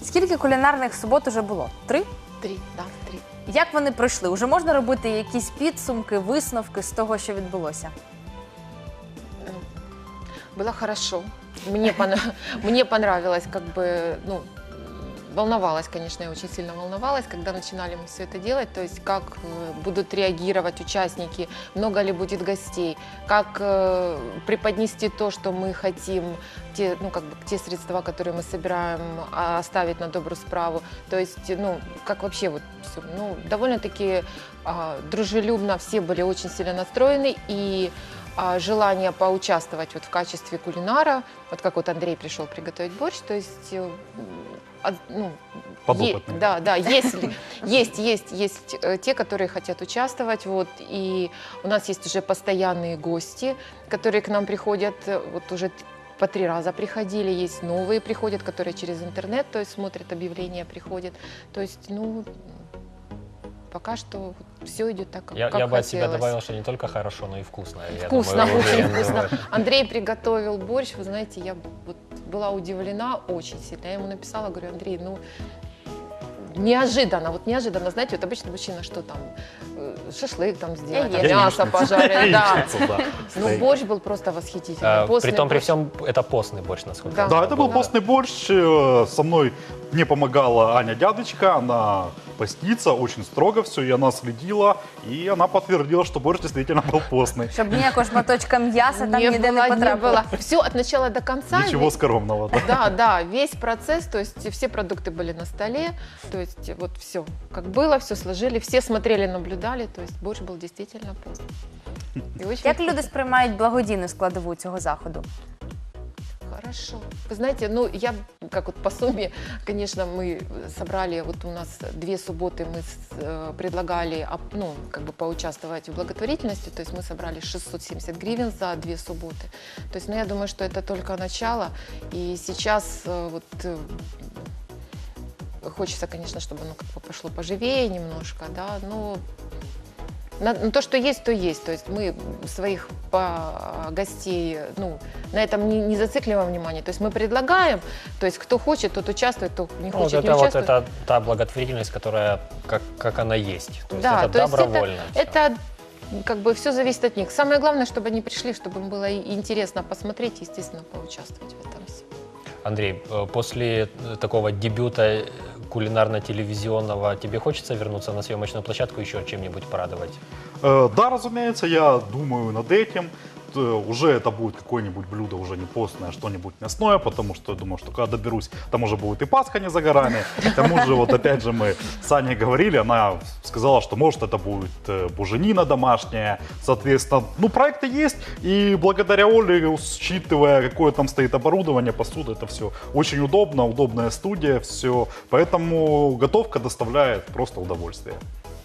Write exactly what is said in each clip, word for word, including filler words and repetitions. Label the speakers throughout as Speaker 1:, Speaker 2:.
Speaker 1: Скільки кулінарних субот уже було? Три?
Speaker 2: Три, да, три.
Speaker 1: Як вони пройшли? Уже можна робити якісь підсумки, висновки з того, що відбулося?
Speaker 2: Было хорошо. Мне, пон... Мне понравилось, как бы, ну, волновалась, конечно, я очень сильно волновалась, когда начинали мы все это делать, то есть как будут реагировать участники, много ли будет гостей, как э, преподнести то, что мы хотим, те, ну, как бы, те средства, которые мы собираем, оставить на добрую справу, то есть, ну, как вообще вот все, ну, довольно-таки э, дружелюбно, все были очень сильно настроены, и желание поучаствовать вот в качестве кулинара, вот как вот Андрей пришел приготовить борщ, то есть, ну, е, да, да, есть, есть, есть, есть те, которые хотят участвовать, вот, и у нас есть уже постоянные гости, которые к нам приходят, вот уже по три раза приходили, есть новые приходят, которые через интернет, то есть смотрят объявления, приходят, то есть, ну, пока что все идет так, как,
Speaker 3: я,
Speaker 2: как
Speaker 3: я бы от
Speaker 2: хотелось.
Speaker 3: себя добавил, что не только хорошо, но и вкусно.
Speaker 2: Вкусно,
Speaker 3: Я думаю,
Speaker 2: очень
Speaker 3: уже,
Speaker 2: вкусно. Андрей приготовил борщ, вы знаете, я вот была удивлена очень сильно. Я ему написала, говорю, Андрей, ну, неожиданно, вот неожиданно, знаете, вот обычно мужчина что там, шашлык там сделать, там, мясо пожарить, да. Ну, борщ был просто восхитительный.
Speaker 3: При том, при всем, это постный борщ, насколько
Speaker 4: я знаю. Да, это был постный борщ. Со мной мне помогала Аня Дядочка, она постится, очень строго все, и она следила, и она подтвердила, что борщ действительно был постный.
Speaker 1: Щоб ніякого шматочка м'яса там ніде не потрапило.
Speaker 2: Все от начала до конца.
Speaker 4: Ничего скромного. Да.
Speaker 2: Да, да, весь процесс, то есть все продукты были на столе, то есть вот все, как было, все сложили, все смотрели, наблюдали, то есть борщ был действительно постный.
Speaker 1: Як люди сприймають благодійну складову цього заходу?
Speaker 2: Хорошо. Вы знаете, ну, я, как вот по сумме, конечно, мы собрали, вот у нас две субботы мы э, предлагали, ну, как бы поучаствовать в благотворительности, то есть мы собрали шестьсот семьдесят гривен за две субботы. То есть, ну, я думаю, что это только начало, и сейчас э, вот э, хочется, конечно, чтобы оно как бы пошло поживее немножко, да, но... На, ну, то, что есть, то есть. То есть мы своих по, гостей, ну, на этом не, не зацикливаем внимание. То есть мы предлагаем, то есть кто хочет, тот участвует, кто не
Speaker 3: ну,
Speaker 2: хочет,
Speaker 3: вот
Speaker 2: не
Speaker 3: это
Speaker 2: участвует.
Speaker 3: Вот это та благотворительность, которая как, как она есть. То есть
Speaker 2: да,
Speaker 3: это
Speaker 2: то есть
Speaker 3: добровольно.
Speaker 2: Это, это как бы все зависит от них. Самое главное, чтобы они пришли, чтобы им было интересно посмотреть и, естественно, поучаствовать в этом всем.
Speaker 3: Андрей, после такого дебюта кулинарно-телевизионного тебе хочется вернуться на съемочную площадку, еще чем-нибудь порадовать?
Speaker 4: Э, да, разумеется, я думаю над этим. Уже это будет какое-нибудь блюдо, уже не постное, а что-нибудь мясное, потому что я думаю, что когда доберусь, там уже будет и Пасха не за горами. К тому же, вот опять же, мы с Аней говорили, она сказала, что может это будет буженина домашняя, соответственно, ну проекты есть, и благодаря Оле, учитывая, какое там стоит оборудование, посуда, это все очень удобно, удобная студия, все, поэтому готовка доставляет просто удовольствие.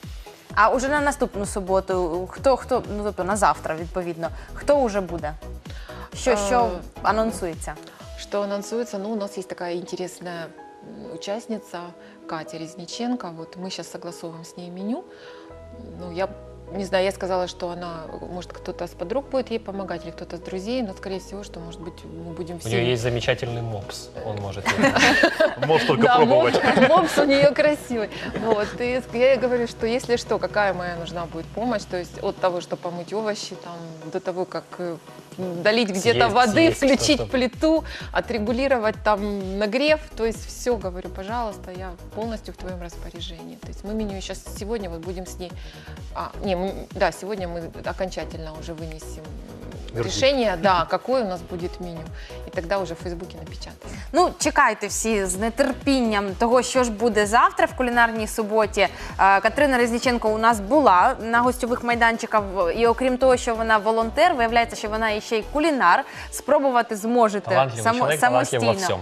Speaker 1: А уже на наступну суботу, хто, хто, ну тобто на завтра, відповідно, хто уже буде? Що, що анонсується?
Speaker 2: Что анонсуется? Ну, у нас есть такая интересная участница Катя Резниченко. Вот мы сейчас согласовываем с ней меню. Ну, я не знаю, я сказала, что она, может, кто-то с подруг будет ей помогать, или кто-то с друзей, но, скорее всего, что, может быть, мы будем все...
Speaker 3: У нее есть замечательный мопс, он может...
Speaker 4: Может только пробовать.
Speaker 2: Мопс у нее красивый. Вот, и я ей говорю, что если что, какая моя нужна будет помощь, то есть от того, что помыть овощи, там, до того, как долить где-то воды, включить плиту, отрегулировать там нагрев, то есть все, говорю, пожалуйста, я полностью в твоем распоряжении. То есть мы меню сейчас сегодня вот будем с ней... А, не, мы, да, сегодня мы окончательно уже вынесем Вердикт. решение, да, какое у нас будет меню. І тоді вже в Фейсбуці напечатаємо.
Speaker 1: Ну, чекайте всі з нетерпінням того, що ж буде завтра в кулінарній суботі. Катерина Резніченко у нас була на гостьових майданчиках, і окрім того, що вона волонтер, виявляється, що вона ще й кулінар. Спробувати зможете
Speaker 3: талантливый
Speaker 1: само,
Speaker 3: человек,
Speaker 1: самостійно.
Speaker 3: талантлив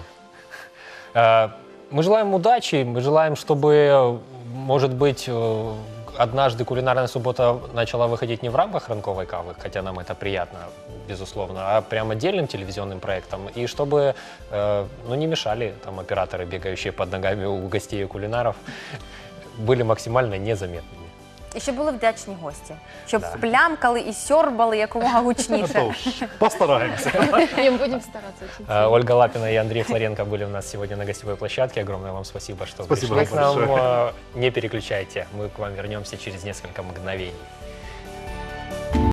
Speaker 3: во всем. Мы желаем удачи, мы желаем, чтобы, может быть, однажды кулинарная суббота начала выходить не в рамках ранковой кавы, хотя нам это приятно, безусловно, а прям отдельным телевизионным проектом. И чтобы э, ну, не мешали там операторы, бегающие под ногами у гостей и кулинаров, были максимально незаметными.
Speaker 1: І щоб були вдячні гості, щоб
Speaker 3: Да.
Speaker 1: плямкали і сьорбали якомога
Speaker 4: Это
Speaker 1: гучніше.
Speaker 4: уж постараемся.
Speaker 2: Не будем стараться очень
Speaker 3: Э,
Speaker 2: сильно.
Speaker 3: Ольга Лапина и Андрей Флоренко были у нас сегодня на гостевой площадке. Огромное вам спасибо, что
Speaker 4: Спасибо
Speaker 3: пришли к нам.
Speaker 4: большое.
Speaker 3: Э, Не переключайте, мы к вам вернемся через несколько мгновений.